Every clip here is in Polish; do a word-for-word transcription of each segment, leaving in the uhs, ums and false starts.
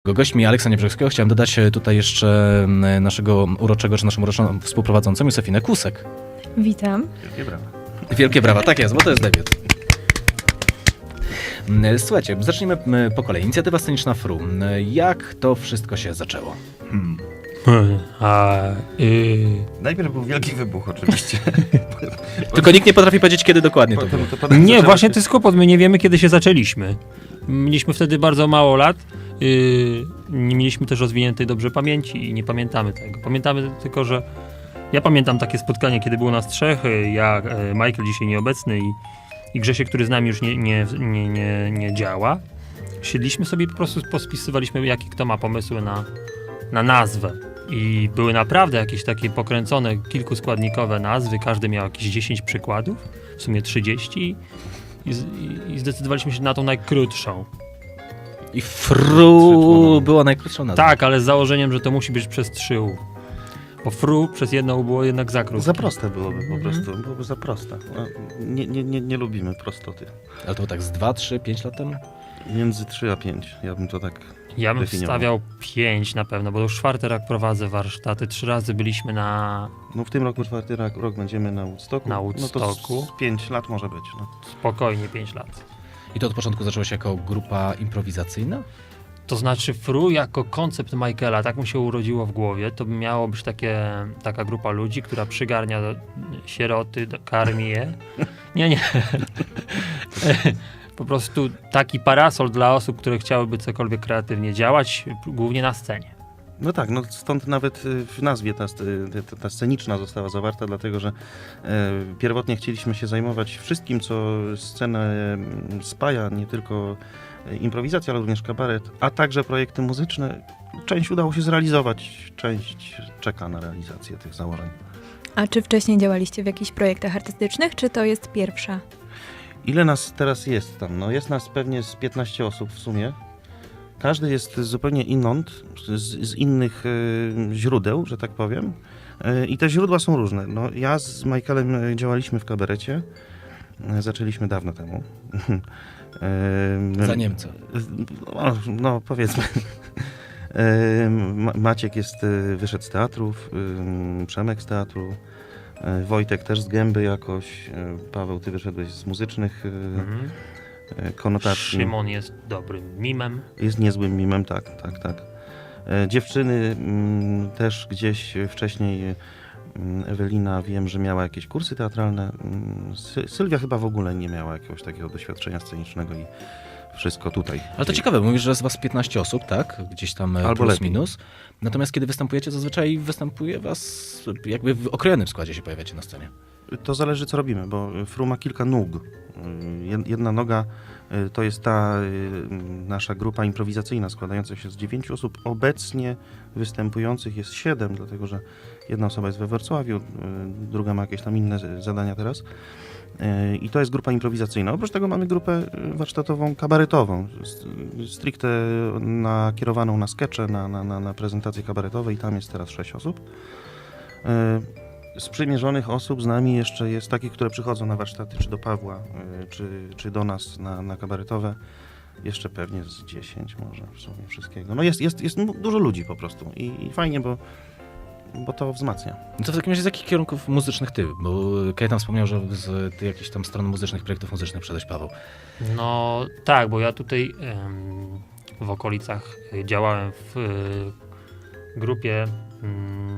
Gośćmi Aleksa Niebrzegskiego chciałem dodać tutaj jeszcze naszego uroczego, czy naszą uroczą współprowadzącą Józefinę Kusek. Witam. Wielkie brawa. Wielkie brawa, tak jest, bo to jest debiut. Słuchajcie, zacznijmy po kolei. Inicjatywa sceniczna F R U. Jak to wszystko się zaczęło? Hmm. A, y... Najpierw był wielki wybuch oczywiście. Tylko nikt nie potrafi powiedzieć, kiedy dokładnie to było. To potem Nie, zaczęło właśnie się- to jest kłopot, my nie wiemy, kiedy się zaczęliśmy. Mieliśmy wtedy bardzo mało lat, yy, nie mieliśmy też rozwiniętej dobrze pamięci i nie pamiętamy tego. Pamiętamy tylko, że ja pamiętam takie spotkanie, kiedy było nas trzech, y, ja, y, Michael dzisiaj nieobecny i, i Grzesiek, który z nami już nie, nie, nie, nie, nie działa. Siedliśmy sobie i po prostu pospisywaliśmy, jakie kto ma pomysły na, na nazwę. I były naprawdę jakieś takie pokręcone, kilkuskładnikowe nazwy, każdy miał jakieś dziesięć przykładów, w sumie trzydzieści i, i, i zdecydowaliśmy się na tą najkrótszą. I F R U była najkrótszą nazwą. Tak, ale z założeniem, że to musi być przez trzy U. Bo F R U przez jedno U było jednak za krótkie. Za proste byłoby po prostu, byłoby za proste. No, Nie, nie, nie, nie lubimy prostoty. Ale to było tak z dwa, trzy, pięć lat temu? Między trzy a pięć, ja bym to tak Ja bym definiował. wstawiał pięć na pewno, bo już czwarty rok prowadzę warsztaty, trzy razy byliśmy na No w tym roku, czwarty rok, rok będziemy na Woodstocku. Na No Woodstocku. to z pięć lat może być. No. spokojnie pięć lat. I to od początku zaczęło się jako grupa improwizacyjna? To znaczy F R U jako koncept Michaela, tak mu się urodziło w głowie, to miało być takie, taka grupa ludzi, która przygarnia do sieroty, do, karmi je. Nie, nie. Po prostu taki parasol dla osób, które chciałyby cokolwiek kreatywnie działać, głównie na scenie. No tak, no stąd nawet y, w nazwie ta, y, ta, ta sceniczna została zawarta, dlatego że e, pierwotnie chcieliśmy się zajmować wszystkim, co scenę mm, spaja, nie tylko e, improwizacja, ale również kabaret, a także projekty muzyczne. Część udało się zrealizować, część czeka na realizację tych założeń. A czy wcześniej działaliście w jakichś projektach artystycznych, czy to jest pierwsza? Ile nas teraz jest tam? No jest nas pewnie z piętnaście osób w sumie. Każdy jest zupełnie inąd, z, z innych y, źródeł, że tak powiem. Y, I te źródła są różne. No, ja z Michaelem y, działaliśmy w kabarecie. Y, zaczęliśmy dawno temu. y, Za Niemca. No, no powiedzmy. Y, Ma- Maciek jest, y, wyszedł z teatrów, y, Przemek z teatru, y, Wojtek też z gęby jakoś, y, Paweł, ty wyszedłeś z muzycznych y, Mhm. y, konotacji. Szymon jest dobrym mimem. Jest niezłym mimem, tak, tak, tak. E, dziewczyny mm, też gdzieś wcześniej, mm, Ewelina wiem, że miała jakieś kursy teatralne. Mm, Sy- Sylwia chyba w ogóle nie miała jakiegoś takiego doświadczenia scenicznego i wszystko tutaj. Ale to ciekawe, mówisz, że jest was piętnaście osób, tak? Gdzieś tam Albo plus lepiej. minus. Natomiast kiedy występujecie, zazwyczaj występuje was jakby w okrojonym składzie się pojawiacie na scenie. To zależy, co robimy, bo F R U ma kilka nóg. Y, jed- Jedna noga y, to jest ta y, nasza grupa improwizacyjna składająca się z dziewięciu osób. Obecnie występujących jest siedem, dlatego że jedna osoba jest we Wrocławiu, y, druga ma jakieś tam inne z- zadania teraz. Y, I to jest grupa improwizacyjna. Oprócz tego mamy grupę y, warsztatową, kabaretową, s- stricte nakierowaną na skecze, na, na, na, na prezentacje kabaretowe i tam jest teraz sześć osób. Y, Sprzymierzonych osób z nami jeszcze jest takich, które przychodzą na warsztaty, czy do Pawła, y, czy, czy do nas na, na kabaretowe. Jeszcze pewnie z dziesięć może w sumie wszystkiego. No jest, jest, jest mu- dużo ludzi po prostu i, i fajnie, bo, bo to wzmacnia. No to w takim razie z jakich kierunków muzycznych ty? Bo Kajetan wspomniał, że z ty jakichś tam stron muzycznych, projektów muzycznych przedeś, Paweł. No tak, bo ja tutaj em, w okolicach y, działałem w y, grupie, mm,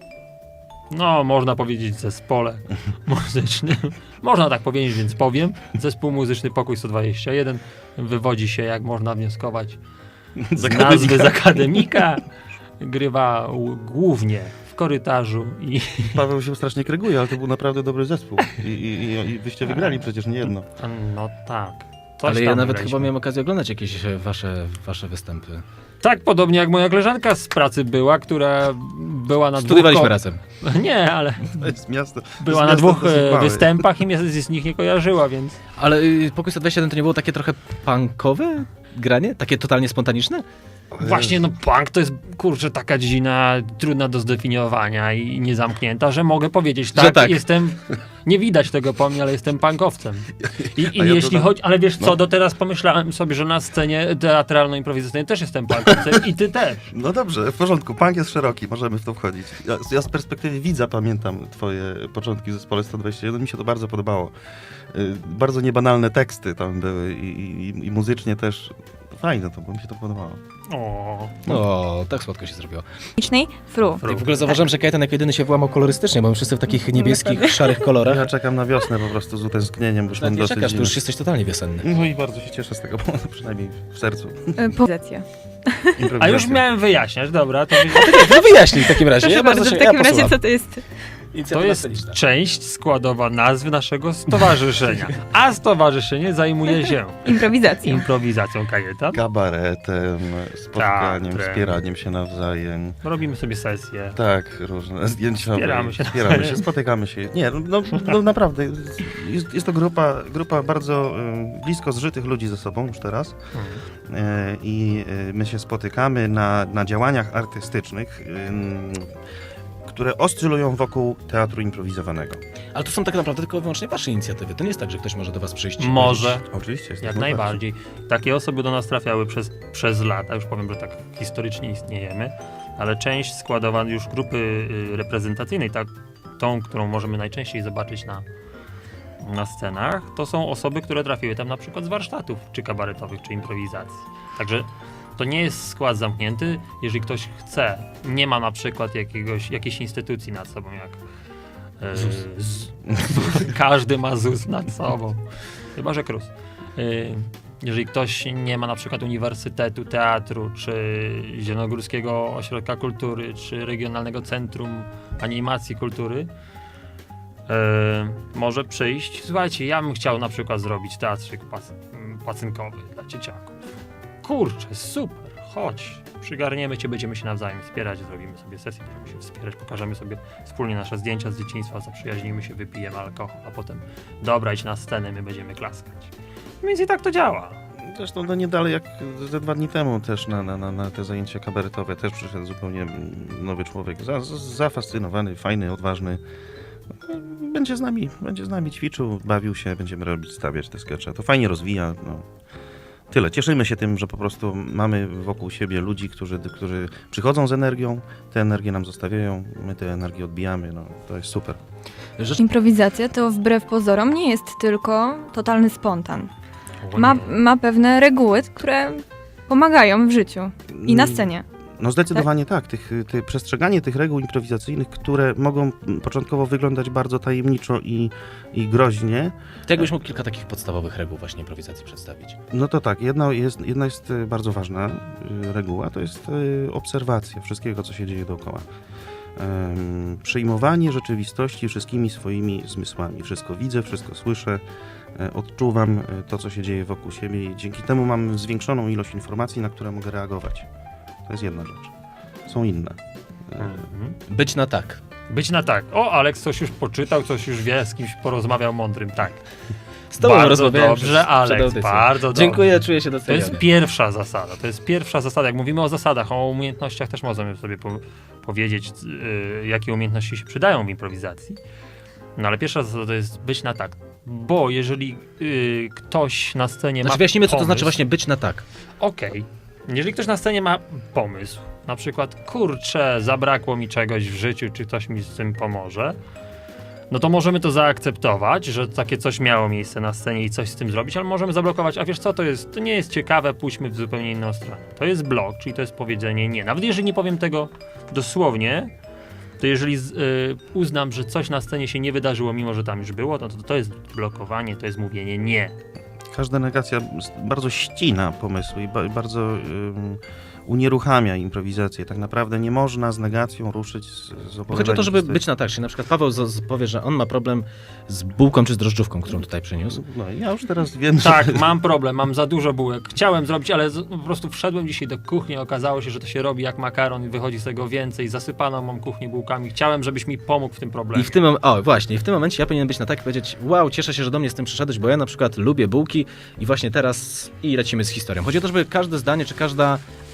no można powiedzieć zespole muzycznym. Można tak powiedzieć, więc powiem. Zespół muzyczny Pokój sto dwadzieścia jeden wywodzi się, jak można wnioskować, z Zakładnika. nazwy z akademika. Grywa u- głównie w korytarzu i Paweł się strasznie kryguje, ale to był naprawdę dobry zespół. I, i, i, i wyście wygrali przecież nie jedno. no tak. Coś Ale ja tam nawet wygraliśmy. chyba miałem okazję oglądać jakieś e, wasze, wasze występy. Tak, podobnie jak moja koleżanka z pracy była, która była na dwóch... Studiowaliśmy ko- razem. Nie, ale To jest miasto. to była jest na miasto dwóch dosyć e, małe. występach i mnie z, z nich nie kojarzyła, więc... Ale y, Pokój sto dwadzieścia jeden to nie było takie trochę punkowe granie? Takie totalnie spontaniczne? Właśnie, no punk to jest, kurczę, taka dziedzina trudna do zdefiniowania i niezamknięta, że mogę powiedzieć, tak, tak. jestem, nie widać tego po mnie, ale jestem punkowcem. I, i A ja jeśli dodam- chodzi, ale wiesz co, no. do teraz pomyślałem sobie, że na scenie teatralno-improwizacyjnej też jestem punkowcem i ty też. No dobrze, w porządku, punk jest szeroki, możemy w to wchodzić. Ja, ja z perspektywy widza pamiętam twoje początki w zespole sto dwadzieścia jeden, mi się to bardzo podobało. Y, Bardzo niebanalne teksty tam były i, i, i muzycznie też fajne to, bo mi się to podobało. O, O, tak słodko się zrobiło. Technicznej Fru. I w ogóle zauważyłem, że Kajetan jako jedyny się włamał kolorystycznie, bo my wszyscy w takich niebieskich, szarych kolorach. Ja czekam na wiosnę po prostu z utęsknieniem, bo już Nawet mam nie dosyć... czekasz, to już jesteś totalnie wiosenny. No i bardzo się cieszę z tego, bo przynajmniej w sercu. Pozycja. a już Improwizacja. miałem wyjaśniać, dobra, to, No wyjaśnij w takim razie. Proszę ja bardzo, bardzo w się, takim ja razie posuwam. co to jest? to Inicjatywa jest sceniczna. część składowa nazwy naszego stowarzyszenia, a stowarzyszenie zajmuje się Improwizacją. improwizacją Kajetan. Kabaretem, spotkaniem, Teatrem. wspieraniem się nawzajem. Robimy sobie sesje. Tak, różne zdjęciowe. Wspieramy się wspieramy nawzajem. się, spotykamy się. Nie, no, no, no naprawdę, jest, jest to grupa, grupa bardzo y, blisko zżytych ludzi ze sobą już teraz. Mhm. Y, I y, my się spotykamy na, na działaniach artystycznych, y, które oscylują wokół teatru improwizowanego. Ale to są tak naprawdę tylko i wyłącznie wasze inicjatywy. To nie jest tak, że ktoś może do was przyjść. i Może, powiedzieć, Oczywiście. jest jak tak najbardziej. Takie osoby do nas trafiały przez, przez lata, już powiem, że tak historycznie istniejemy, ale część składowa już grupy y, reprezentacyjnej, tak, tą, którą możemy najczęściej zobaczyć na, na scenach, to są osoby, które trafiły tam na przykład z warsztatów, czy kabaretowych, czy improwizacji. Także to nie jest skład zamknięty, jeżeli ktoś chce, nie ma na przykład jakiegoś, jakiejś instytucji nad sobą, jak e, ZUS. z, każdy ma ZUS nad sobą, chyba że KRUS. E, jeżeli ktoś nie ma na przykład Uniwersytetu Teatru, czy Zielonogórskiego Ośrodka Kultury, czy Regionalnego Centrum Animacji Kultury, e, może przyjść. Słuchajcie, ja bym chciał na przykład zrobić teatrzyk pac- pacynkowy dla dzieciaków. Kurczę, super, chodź, przygarniemy cię, będziemy się nawzajem wspierać, zrobimy sobie sesję, będziemy się wspierać, pokażemy sobie wspólnie nasze zdjęcia z dzieciństwa, zaprzyjaźnimy się, wypijemy alkohol, a potem dobra, idź na scenę, my będziemy klaskać. Więc i tak to działa. Zresztą no nie dalej jak ze dwa dni temu też na, na, na, na te zajęcia kabaretowe też przyszedł zupełnie nowy człowiek, za, za, zafascynowany, fajny, odważny. Będzie z nami, będzie z nami ćwiczył, bawił się, będziemy robić, stawiać te skecze. To fajnie rozwija. No. Tyle. Cieszymy się tym, że po prostu mamy wokół siebie ludzi, którzy, którzy przychodzą z energią, tę energię nam zostawiają, my tę energię odbijamy. No, to jest super. Rzecz, Improwizacja to wbrew pozorom nie jest tylko totalny spontan. O Ma, nie. ma pewne reguły, które pomagają w życiu i na scenie. No zdecydowanie tak. Tych, ty, przestrzeganie tych reguł improwizacyjnych, które mogą początkowo wyglądać bardzo tajemniczo i, i groźnie, to jakbyś mógł kilka takich podstawowych reguł właśnie improwizacji przedstawić. no to tak, jedna jest, jedna jest y, bardzo ważna y, reguła, to jest y, obserwacja wszystkiego, co się dzieje dookoła. Ym, przyjmowanie rzeczywistości wszystkimi swoimi zmysłami. Wszystko widzę, wszystko słyszę, y, odczuwam y, to, co się dzieje wokół siebie i dzięki temu mam zwiększoną ilość informacji, na które mogę reagować. To jest jedna rzecz. Są inne. Y, Mhm. Być na tak. Być na tak. O, Aleks coś już poczytał, coś już wie, z kimś porozmawiał mądrym. Tak. Z tobą Bardzo rozmawiałem dobrze, przed- przed Aleks, audycją. bardzo dobrze. Dziękuję, czuję się To jest doceniony. pierwsza zasada. To jest pierwsza zasada. Jak mówimy o zasadach, o umiejętnościach, też możemy sobie po, powiedzieć, yy, jakie umiejętności się przydają w improwizacji. No ale pierwsza zasada to jest być na tak. Bo jeżeli yy, ktoś na scenie Znaczy ma wyjaśnimy, co to pomysł, znaczy właśnie być na tak. Okej. Jeżeli ktoś na scenie ma pomysł, na przykład, kurczę, zabrakło mi czegoś w życiu, czy ktoś mi z tym pomoże, no to możemy to zaakceptować, że takie coś miało miejsce na scenie i coś z tym zrobić, ale możemy zablokować, a wiesz co, to jest, to nie jest ciekawe, pójdźmy w zupełnie inną stronę. To jest blok, czyli to jest powiedzenie nie. Nawet jeżeli nie powiem tego dosłownie, to jeżeli z, y, uznam, że coś na scenie się nie wydarzyło, mimo że tam już było, no to to jest blokowanie, to jest mówienie nie. Każda negacja s- bardzo ścina pomysły i ba- bardzo ym, unieruchamia improwizację. Tak naprawdę nie można z negacją ruszyć z, z Bo chodzi o opowiadaniem to, żeby historii. być na tak. Czyli na przykład Paweł z, z powie, że on ma problem z bułką czy z drożdżówką, którą tutaj przyniósł. No, ja już teraz wiem, Tak, że... mam problem, mam za dużo bułek. Chciałem zrobić, ale z, po prostu wszedłem dzisiaj do kuchni, okazało się, że to się robi jak makaron i wychodzi z tego więcej. Zasypano mam kuchnię bułkami. Chciałem, żebyś mi pomógł w tym problemie. I w tym mom- o właśnie, i w tym momencie ja powinienem być na tak i powiedzieć: wow, cieszę się, że do mnie z tym przyszedłeś, bo ja na przykład lubię bułki i właśnie teraz i lecimy z historią. Chodzi o to, żeby każde zdanie czy każda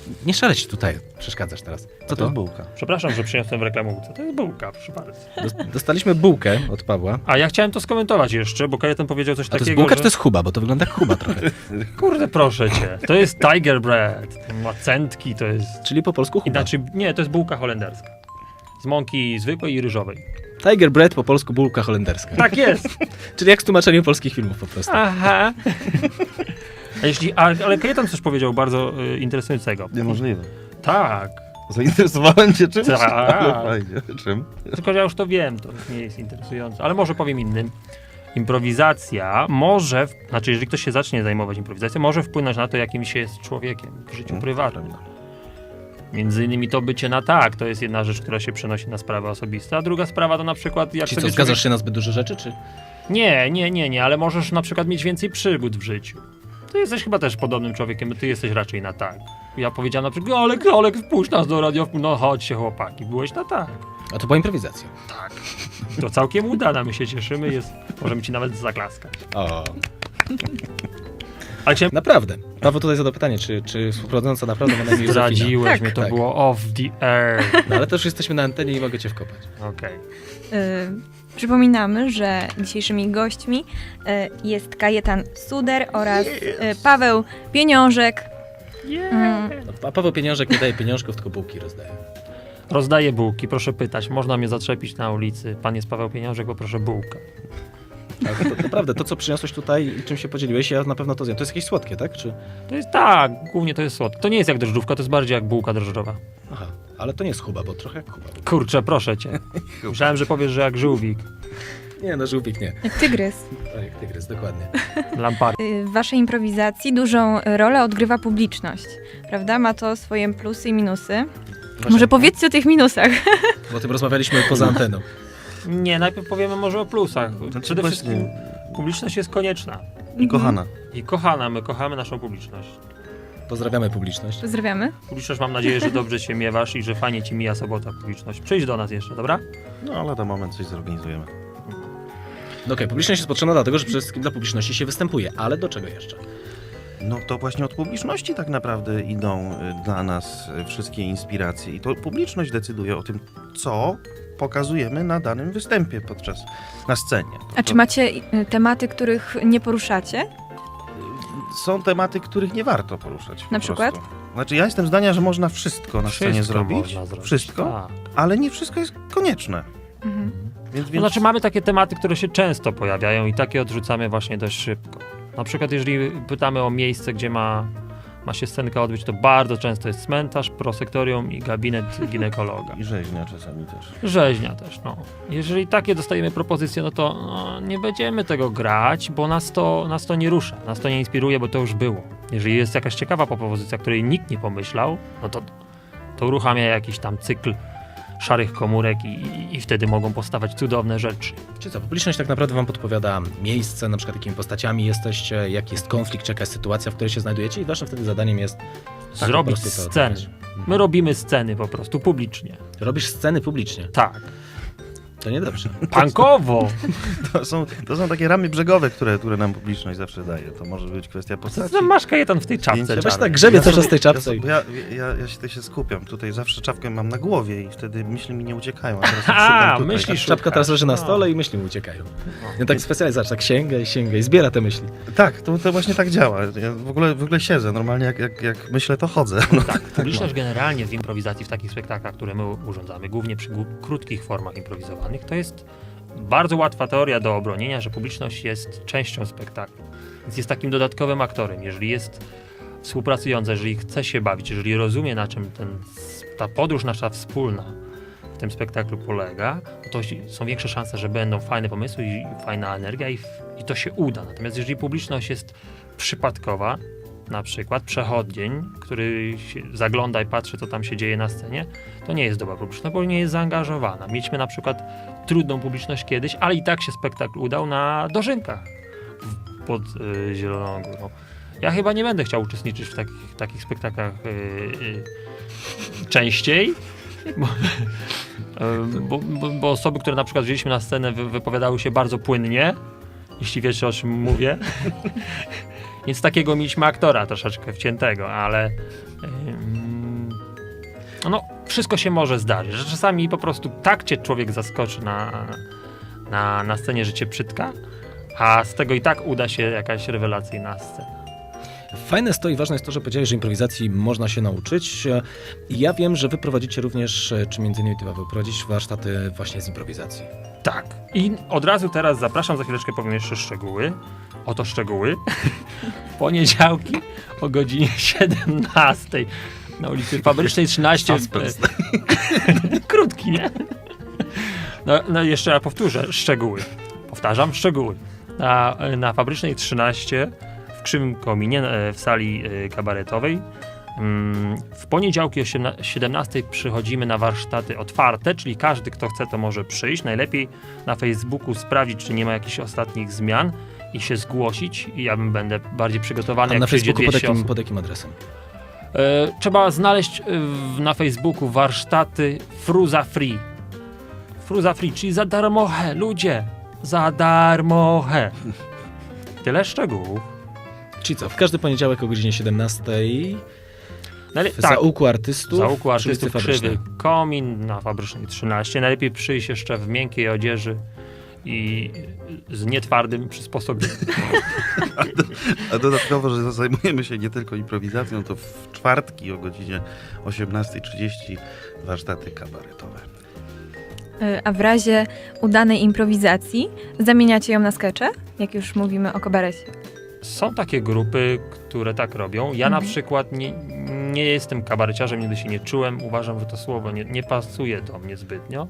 Nie szaleć tutaj, przeszkadzasz teraz. Co To to? jest bułka. Przepraszam, że przyniosłem w reklamówce. To jest bułka, proszę bardzo. Dos- Dostaliśmy bułkę od Pawła. A ja chciałem to skomentować jeszcze, bo Kajetan powiedział coś A to takiego, jest bułka, że... czy to jest chuba? Bo to wygląda jak chuba trochę. Kurde, proszę cię. To jest Tiger Bread. To ma centki, to jest... Czyli po polsku chuba. Inaczej, nie, to jest bułka holenderska. Z mąki zwykłej i ryżowej. Tiger bread, po polsku bułka holenderska. Tak jest. Czyli jak z tłumaczeniem polskich filmów po prostu. Aha. A jeśli, a, ale Kajetan coś powiedział bardzo y, interesującego. Niemożliwe. Tak. Zainteresowałem cię czymś? Tak. Ale fajnie. Czym? Tylko ja już to wiem, to nie jest interesujące. Ale może powiem innym. Improwizacja może, w- znaczy jeżeli ktoś się zacznie zajmować improwizacją, może wpłynąć na to, jakim się jest człowiekiem w życiu Mm, prywatnym. Między innymi to bycie na tak, to jest jedna rzecz, która się przenosi na sprawy osobiste, a druga sprawa to na przykład jak Czyli co, sobie zgadzasz człowiek... się na zbyt duże rzeczy, czy? Nie, nie, nie, nie, ale możesz na przykład mieć więcej przygód w życiu. Ty jesteś chyba też podobnym człowiekiem, ty jesteś raczej na tak. Ja powiedziałem na przykład, Olek, Olek, wpuść nas do radio, no chodźcie chłopaki, byłeś na tak. A to była improwizacja. Tak. To całkiem udana, my się cieszymy, jest, możemy ci nawet zaklaskać. O. Ale chciałem... Naprawdę. Paweł tutaj zadał pytanie, czy, czy współprowadząca naprawdę ma na imię Józefina. Zdradziłeś Tak. mnie, to Tak. było off the air. No ale też jesteśmy na antenie i mogę cię wkopać. Okej. Y, przypominamy, że dzisiejszymi gośćmi y, jest Kajetan Suder oraz y, Paweł Pieniążek. Mm, No, a Paweł Pieniążek nie daje pieniążków, tylko bułki rozdaje. Rozdaję bułki, proszę pytać. Można mnie zaczepić na ulicy. Pan jest Paweł Pieniążek, bo proszę bułkę. Ale to, to naprawdę, to co przyniosłeś tutaj i czym się podzieliłeś, ja na pewno to zjem. To jest jakieś słodkie, tak? Czy... To jest tak, głównie to jest słodkie. To nie jest jak drożdżówka, to jest bardziej jak bułka drożdżowa. Aha, ale to nie jest chuba, bo trochę jak chuba. Kurczę, proszę cię. Myślałem, że powiesz, że jak żółwik. Nie, no żółwik nie. jak tygrys. Tak, jak tygrys, dokładnie. Lampar. Y, W waszej improwizacji dużą rolę odgrywa publiczność, prawda? Ma to swoje plusy i minusy. Może powiedzcie o tych minusach. Bo o tym rozmawialiśmy poza anteną. Nie, najpierw powiemy może o plusach. Przede właśnie- wszystkim publiczność jest konieczna. I kochana. I kochana, my kochamy naszą publiczność. Pozdrawiamy publiczność. Pozdrawiamy. Publiczność, mam nadzieję, że dobrze się miewasz i że fajnie ci mija sobota publiczność. Przyjdź do nas jeszcze, dobra? No ale na moment coś zorganizujemy. No okej, publiczność jest potrzebna dlatego, że przede wszystkim dla publiczności się występuje, ale do czego jeszcze? No to właśnie od publiczności tak naprawdę idą y, dla nas y, wszystkie inspiracje i to publiczność decyduje o tym, co pokazujemy na danym występie podczas, na scenie. To, A czy to macie y, tematy, których nie poruszacie? są tematy, których nie warto poruszać. po Na przykład? prostu. Znaczy ja jestem zdania, że można wszystko na scenie Wszystko zrobić, można zrobić. wszystko, Tak. ale nie wszystko jest konieczne. Mhm. Więc, To więc znaczy mamy takie tematy, które się często pojawiają i takie odrzucamy właśnie dość szybko. Na przykład jeżeli pytamy o miejsce, gdzie ma, ma się scenka odbyć, to bardzo często jest cmentarz, prosektorium i gabinet ginekologa. i rzeźnia czasami też. Rzeźnia też, no. Jeżeli takie dostajemy propozycje, no to no, nie będziemy tego grać, bo nas to, nas to nie rusza, nas to nie inspiruje, bo to już było. Jeżeli jest jakaś ciekawa propozycja, której nikt nie pomyślał, no to, to uruchamia jakiś tam cykl szarych komórek i, i, i wtedy mogą powstawać cudowne rzeczy. Czy co, publiczność tak naprawdę wam podpowiada miejsce, na przykład jakimi postaciami jesteście, jaki jest konflikt, czy jakaś sytuacja, w której się znajdujecie i waszym wtedy zadaniem jest tak po Zrobić prostu to sceny. odegrać. My robimy sceny po prostu publicznie. Robisz sceny publicznie. Tak. To niedobrze. Punkowo! To są, to są takie ramy brzegowe, które, które nam publiczność zawsze daje. To może być kwestia Co postaci. ty masz Kajetan w tej czapce Zdjęcia. Weź czarnej? tak grzebie cały czas w tej Ja, czapce. sobie- i- ja, ja, ja się, się skupiam. Tutaj zawsze czapkę mam na głowie i wtedy myśli mi nie uciekają. A, teraz A, szukam tutaj. myślisz- Czapka teraz leży na No. stole i myśli mu uciekają. Ja tak specjalnie, zobacz, tak sięga i sięga i zbiera te myśli. Tak, to, to właśnie tak działa. Ja w ogóle, w ogóle siedzę. Normalnie jak, jak, jak myślę, to chodzę. No, Tak, publiczność generalnie w improwizacji, w takich spektaklach, które my urządzamy, głównie przy gó- krótkich formach improwizowanych, to jest bardzo łatwa teoria do obronienia, że publiczność jest częścią spektaklu. Więc jest takim dodatkowym aktorem. Jeżeli jest współpracująca, jeżeli chce się bawić, jeżeli rozumie, na czym ten, ta podróż nasza wspólna w tym spektaklu polega, to są większe szanse, że będą fajne pomysły i fajna energia i, i to się uda. Natomiast jeżeli publiczność jest przypadkowa, na przykład przechodzień, który się zagląda i patrzy, co tam się dzieje na scenie, to nie jest dobra publiczność, bo nie jest zaangażowana. Mieliśmy na przykład trudną publiczność kiedyś, ale i tak się spektakl udał na Dożynkach w- pod y, Zieloną Górą. Ja chyba nie będę chciał uczestniczyć w takich, takich spektaklach y, y, częściej, bo, y, bo, bo, bo osoby, które na przykład wzięliśmy na scenę, wy, wypowiadały się bardzo płynnie, jeśli wiecie, o czym mówię. Więc takiego mieliśmy aktora troszeczkę wciętego, ale ym, no wszystko się może zdarzyć, że czasami po prostu tak cię człowiek zaskoczy na, na, na scenie, że cię przytka, a z tego i tak uda się jakaś rewelacyjna scena. Fajne jest to i ważne jest to, że powiedziałeś, że improwizacji można się nauczyć. I ja wiem, że wy prowadzicie również, czy między innymi ty, Paweł, prowadzisz warsztaty właśnie z improwizacji. Tak. I od razu teraz zapraszam, za chwileczkę powiem jeszcze szczegóły. Oto szczegóły. W poniedziałki o godzinie siedemnastej na ulicy Fabrycznej trzynaście. Suspens. Krótki, nie? No, no jeszcze raz powtórzę. Szczegóły. Powtarzam, szczegóły. Na, na Fabrycznej trzynaście w Krzywym Kominie w sali kabaretowej. W poniedziałki o siedemnastej przychodzimy na warsztaty otwarte, czyli każdy, kto chce, to może przyjść. Najlepiej na Facebooku sprawdzić, czy nie ma jakichś ostatnich zmian i się zgłosić. I ja bym będę bardziej przygotowany, A jak na przyjdzie Facebooku pod dwieście jakim, osób. pod jakim adresem? E, trzeba znaleźć w, na Facebooku warsztaty Fruza Free. Fruza Free, czyli za darmoche, ludzie. Za darmoche. Tyle szczegółów. Czyli co, w każdy poniedziałek o godzinie siedemnastej Najle- w tak. zaułku artystów, Zaułku przy ulicy artystów Fabrycznej. Krzywy Komin na Fabrycznej trzynaście. Najlepiej przyjść jeszcze w miękkiej odzieży i z nietwardym przysposobieniem. A dodatkowo, że zajmujemy się nie tylko improwizacją, to w czwartki o godzinie osiemnastej trzydzieści warsztaty kabaretowe. Y, A w razie udanej improwizacji zamieniacie ją na skecze, jak już mówimy o kabarecie. Są takie grupy, które tak robią. Ja na Mhm. przykład nie, nie jestem kabareciarzem, nigdy się nie czułem. Uważam, że to słowo nie, nie pasuje do mnie zbytnio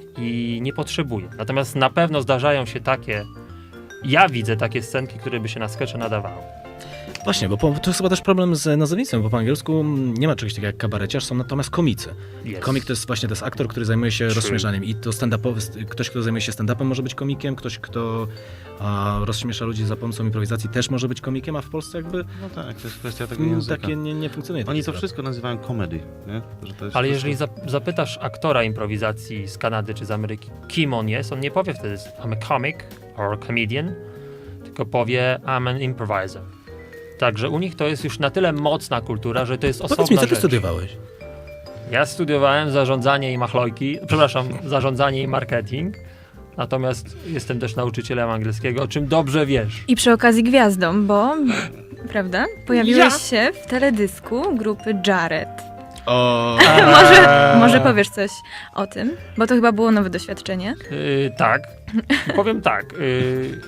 i nie potrzebuję. Natomiast na pewno zdarzają się takie, ja widzę takie scenki, które by się na skecze nadawały. Właśnie, bo po, to jest chyba też problem z nazewnictwem, bo po angielsku nie ma czegoś takiego jak kabareciarz, są natomiast komicy. Jest. Komik to jest właśnie to jest aktor, który zajmuje się True. rozśmieszaniem i to stand-upowy, ktoś, kto zajmuje się stand-upem może być komikiem, ktoś, kto a, rozśmiesza ludzi za pomocą improwizacji też może być komikiem, a w Polsce jakby No tak, to jest kwestia tego mm, języka. takie nie, nie funkcjonuje. Oni takie to sprawy. wszystko nazywają comedy, nie? Że to jest Ale wszystko- jeżeli zap- zapytasz aktora improwizacji z Kanady czy z Ameryki, kim on jest, on nie powie wtedy I'm a comic or comedian, tylko powie I'm an improviser. Także u nich to jest już na tyle mocna kultura, że to jest osobna Powiedz mi, co ty rzecz. studiowałeś? Ja studiowałem zarządzanie i machlojki, przepraszam, zarządzanie i marketing, natomiast jestem też nauczycielem angielskiego, o czym dobrze wiesz. I przy okazji gwiazdą, bo, prawda, pojawiłeś Ja? się w teledysku grupy Jared. O, Może, może powiesz coś o tym, bo to chyba było nowe doświadczenie. Yy, tak, powiem tak. Yy,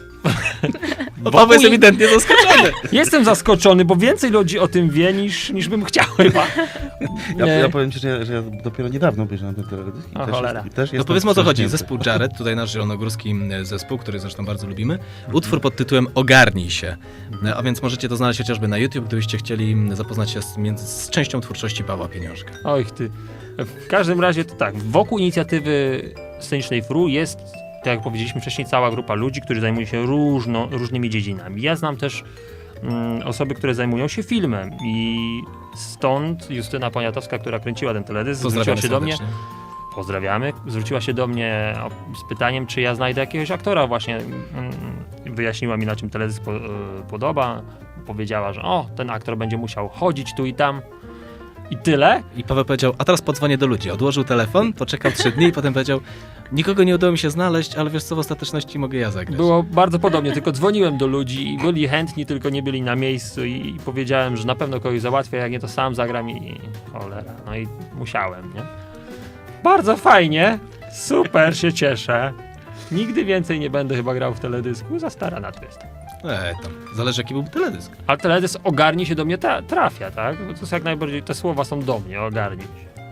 bo Paweł jest ewidentnie zaskoczony. Jestem zaskoczony, bo więcej ludzi o tym wie niż, niż bym chciał chyba. Ja, Nie. ja powiem ci, że ja, że ja dopiero niedawno obejrzałem ten teledysk i O, też, cholera. jest, i też No jestem powiedzmy o co chodzi. wstrząśnięty. Zespół Jared, tutaj nasz zielonogórski zespół, który zresztą bardzo lubimy. Utwór pod tytułem Ogarnij się. No, a więc możecie to znaleźć chociażby na YouTube, gdybyście chcieli zapoznać się z, między, z częścią twórczości Pawła Pieniążka. Oj ty. W każdym razie to tak, wokół inicjatywy scenicznej F R U jest, tak jak powiedzieliśmy wcześniej, cała grupa ludzi, którzy zajmują się różno, różnymi dziedzinami. Ja znam też mm, osoby, które zajmują się filmem i stąd Justyna Poniatowska, która kręciła ten teledysk, zwróciła Pozdrawiamy się do mnie. serdecznie. Pozdrawiamy. Zwróciła się do mnie o- z pytaniem, czy ja znajdę jakiegoś aktora właśnie. mm, Wyjaśniła mi, na czym teledysk po, e, podoba. Powiedziała, że o, ten aktor będzie musiał chodzić tu i tam. I tyle. I Paweł powiedział, a teraz podzwonię do ludzi. Odłożył telefon, poczekał trzy dni i potem powiedział, nikogo nie udało mi się znaleźć, ale wiesz co, w ostateczności mogę ja zagrać. Było bardzo podobnie, tylko dzwoniłem do ludzi i byli chętni, tylko nie byli na miejscu i, i powiedziałem, że na pewno kogoś załatwię, jak nie to sam zagram i cholera. No i musiałem, nie? Bardzo fajnie, super, się cieszę. Nigdy więcej nie będę chyba grał w teledysku, za stara na to jestem. E, tam, zależy jaki był teledysk. Ale teledysk ogarnij się do mnie tra- trafia, tak? Bo to jest jak najbardziej, te słowa są do mnie, ogarnij się.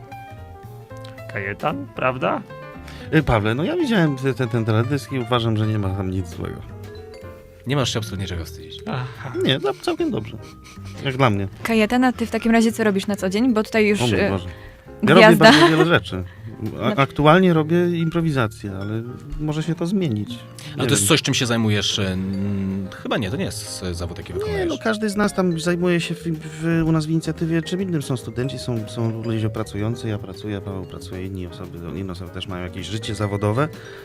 Kajetan, prawda? Y, Pawle, no ja widziałem ten, ten, ten teledysk i uważam, że nie ma tam nic złego. Nie masz się absolutnie czego wstydzić. Aha. Nie, no, całkiem dobrze. Jak dla mnie. Kajetana, ty w takim razie co robisz na co dzień? Bo tutaj już O mój y, Boże. Ja robię gwiazda. bardzo wiele rzeczy. A, aktualnie robię improwizację, ale może się to zmienić. Ale to jest coś, czym się zajmujesz? mm, Chyba nie, to nie jest e, zawód, jaki Nie, wykonujesz. no każdy z nas tam zajmuje się w, w, u nas w inicjatywie czym innym. Są studenci, są, są ludzie pracujący, ja pracuję, Paweł pracuje, inni osoby, inne osoby też mają jakieś życie zawodowe e,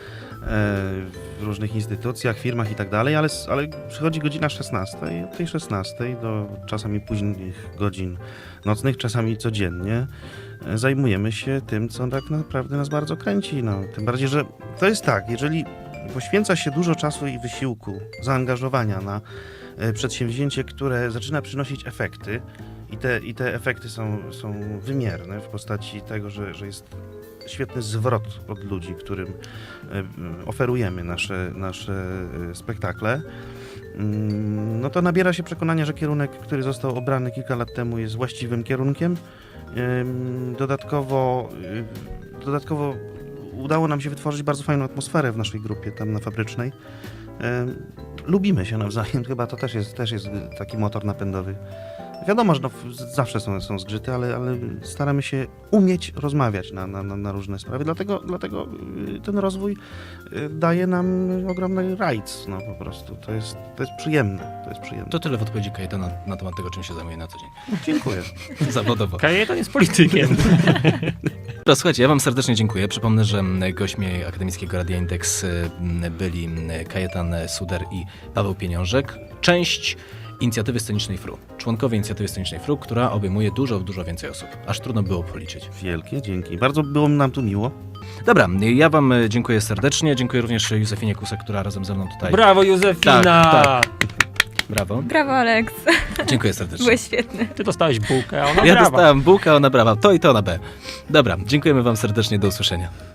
w różnych instytucjach, firmach i tak dalej, ale, ale przychodzi godzina szesnasta i od tej szesnastej do czasami późnych godzin nocnych, czasami codziennie e, zajmujemy się tym, co tak naprawdę nas bardzo kręci. No, tym bardziej, że to jest tak, jeżeli poświęca się dużo czasu i wysiłku, zaangażowania na e, przedsięwzięcie, które zaczyna przynosić efekty i te, i te efekty są, są wymierne w postaci tego, że, że jest świetny zwrot od ludzi, którym e, oferujemy nasze, nasze e, spektakle, mm, no to nabiera się przekonania, że kierunek, który został obrany kilka lat temu, jest właściwym kierunkiem. Ym, Dodatkowo, y, dodatkowo udało nam się wytworzyć bardzo fajną atmosferę w naszej grupie tam na Fabrycznej. Ym, Lubimy się nawzajem, chyba to też jest, też jest taki motor napędowy. Wiadomo, że no, w- zawsze są, są zgrzyty, ale, ale staramy się umieć rozmawiać na, na, na na różne sprawy, dlatego, dlatego y, ten rozwój y, daje nam ogromny rajc, no po prostu. To jest, to jest przyjemne, to jest przyjemne. To tyle w odpowiedzi Kajetana na temat tego, czym się zajmuje na co dzień. Dziękuję. Zawodowo. Kajetan jest politykiem. Dobra, słuchajcie, ja wam serdecznie dziękuję. Przypomnę, że m, gośćmi Akademickiego Radia Indeks y, m, byli m, Kajetan Suder i Paweł Pieniążek. Część inicjatywy scenicznej F R U. Członkowie inicjatywy scenicznej F R U, która obejmuje dużo, dużo więcej osób. Aż trudno było policzyć. Wielkie dzięki. Bardzo było nam tu miło. Dobra, ja wam y, dziękuję serdecznie. Dziękuję również Józefinie Kusek, która razem ze mną tutaj... Brawo, Józefina! Tak, Brawo. Brawo, Aleks. Dziękuję serdecznie. Byłeś świetny. Ty dostałeś bułkę, a ona Ja brawa. dostałem bułkę, ona brawa. To i to na B. Dobra, dziękujemy wam serdecznie. Do usłyszenia.